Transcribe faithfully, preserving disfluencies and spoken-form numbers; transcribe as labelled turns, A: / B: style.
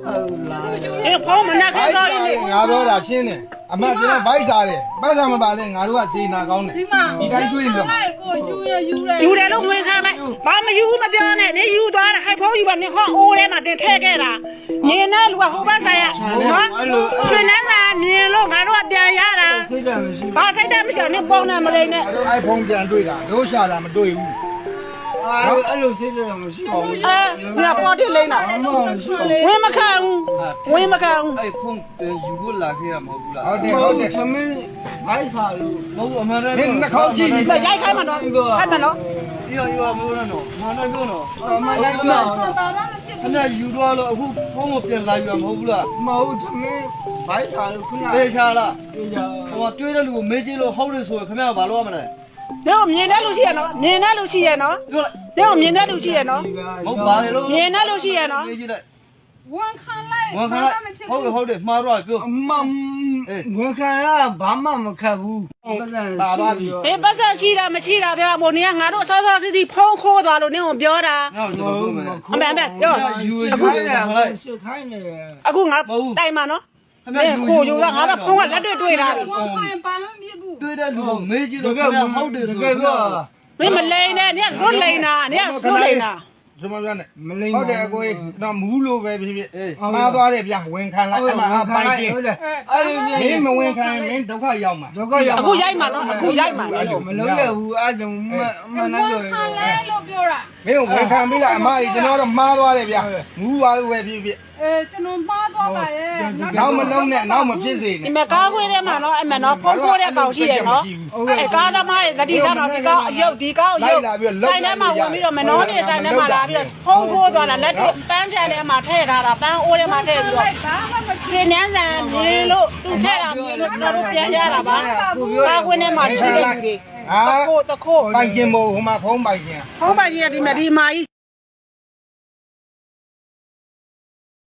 A: အေးဖုန်းမနာခဲ့တော့လေ
B: ငါပြောတာရှင်းတယ်အမကျွန်တော်ဗိုက်စားတယ်ပတ်စံမပါလဲငါတို့ကစေနာကောင်းတယ်ဒီတိုင်းတွေးလို့
C: ကိုယူရယူရ
A: ယူတယ်လို့ဝင်ခံလိုက်ဘာမယူမပြောနဲ့နေယူသွားတာဟိုက်ဖုန်းယူပါနေခေါအိုးထဲမှာတင်ထည့်ခဲ့တာနေနဲ့လူကဟိုဘက်ဆိုင်ရနော်ရွှေနန်းသာမြင်လို့ငါတို့ကပြန်ရတာ
B: စိတ်ဓာတ်မရှိ
A: ဘာစိတ်တမရှိနေပုံနဲ့မလိမ့်နဲ့
B: ဘူး iPhone ပြန်တွေးတာတို့ရှာတာမတွေးဘူးအဲ့လိုစိတ်ဓာတ်မရှိပါဘူး
A: အဲငါပေါ်တိလိမ့်တာဝင်မခံဘူးဝင်မခံဘူး
D: အဲ့ဖုန်းယူဖို့လာခဲ့ရမဟုတ်ဘူးလား
B: ဟုတ်တယ်ဟုတ်တယ်
D: သမင်းဘိုက်စာလို့မဟုတ်အမှန်တည်း
B: မင်းနှာခေါင်းကြည့်ပြီး
A: မရိုက်ခိုင်းမှာတော့အဲ့မှာနော်
D: ရောရောမလို့နော်မနိုင်ဘူးနော်အမှန်တည်းနော်ခဏယူတော့လို့အခုဖုန်းကိုပြန်လာယူရမဟုတ်ဘူးလား
B: မဟုတ်သမင်းဗိုက်စားလို့ခုန
D: သေချာလား
B: တေးကြ
D: ဟိုတွေးတဲ့လူကိုမေးကြည့်လို့ဟုတ်တယ်ဆိုရင်ခင်ဗျားဘာလို့ရမလဲ
A: တော့မြင်တဲ့လူရှိရနော်မြင်တဲ့လူရှိရနော်
D: ပြောလိုက်
A: တော့မြင်တဲ့လူရှိရနော်
D: မဟုတ်ပါလေလို့
A: မြင်တဲ့လူရှိရနော်
D: မေးကြည့်လိုက်
C: ဝန်ခံလိုက်
D: ဝန်ခံလိုက်ဟုတ်တယ်ဟုတ်တယ်မှားတော့ပြော
B: အမဝန်ခံရဘာမှမခတ်ဘူးပတ်စံပါပါပြီ
A: အေးပတ်ဆက်ရှိတာမရှိတာဗျာမို့နေကငါတို့စောစောစီးစီးဖုံးခိုးသွားလို့နင်းကိုပြောတာ
D: နောက်ကျွန်တော်ပြောမယ်
A: အမေအမေပြော
D: ယူယူ
B: အခု
D: ရ
B: လည်း
D: လိုက်
B: စစ်ခိုင်းနေတယ်
A: အခုငါတိုင်မှာနော်အေးခိုးယူတာငါကဖုံးကလက်တွေ့တွေ့တာ
C: ဝန်ခံပါမမြစ်ဘူး
D: တွေးတဲ့လူကိုမေးကြည့်လို့ခင်ဗျားဟုတ်တယ်ဆိုရင်
A: မင်းမလိန်နဲ့နင်ကဇွတ်လိန်တာနင်ကဇွတ်လိန်တာ
B: ကျွန်မပြောနေမလိမ့်ဟုတ်တယ်အကိုတော့မူးလို့ပဲဖြစ်ဖြစ်မှားသွားတယ်ဗျဝင်ခံလိုက်အမှအပိုင်ချင်း
D: အဲ့ဒီ
B: မင်းမဝင်ခံမင်းဒုက္ခရောက်မှာဒုက္ခရောက်
A: အခုရိုက်မှာနော်အခုရိုက်မှာ
B: မလုံးရဘူးအဲ့ဒါမှမနာ
C: ဝန်
B: လို့
C: ခံလဲလို့ပြောတာ
B: မင်းဝင်ခံပြီလားအမကြီးကျွန်တော်တော့မှားသွားတယ်ဗျမူးသွားလို့ပဲဖြစ်ဖြစ်
C: အဲကျွန်တော်မှားသွားပါရဲ့
B: နောက်မလုံးနဲ့နောက်မဖြစ်စေ
A: ဒီ
B: နဲ့
A: မှာကားခွေးထဲမှာနော်အဲ့မှာနော်ဖုံးခိုးတဲ့ကောင်ရှိရနော်အဲ့ကားသမားရဲ့သတိထားနော်ဒီကောင်အယုတ်ဒီကောင်အယုတ်ဆိုင်ထဲမှာဝင်ပြီးတော့မနှောပြေဆိုင်ထဲမှာလာပြီးတော့ဖုံးခိုးသွားတာလက်တွေ့ပန်းချန်ထဲမှာထည့်ထားတာပန်းအိုးထဲမှာထည့်ပြီးတော့
C: ဘာမှမ
A: ခြေနှမ်းဆန်မြင်လို့သူထည့်တာမြင်လို့ကျွန်တော်တို့ပြန်ရတာပါကားခွေးထဲမှာရှိတဲ့လူတွေ
B: ဟာ
A: တခိုးတခိုး
B: ပိုင်ချင်းမို့ဟိုမှာဖုံးပိုင်ချင်း
A: ဟောပါကြီးကဒီမှာဒီမာကြီး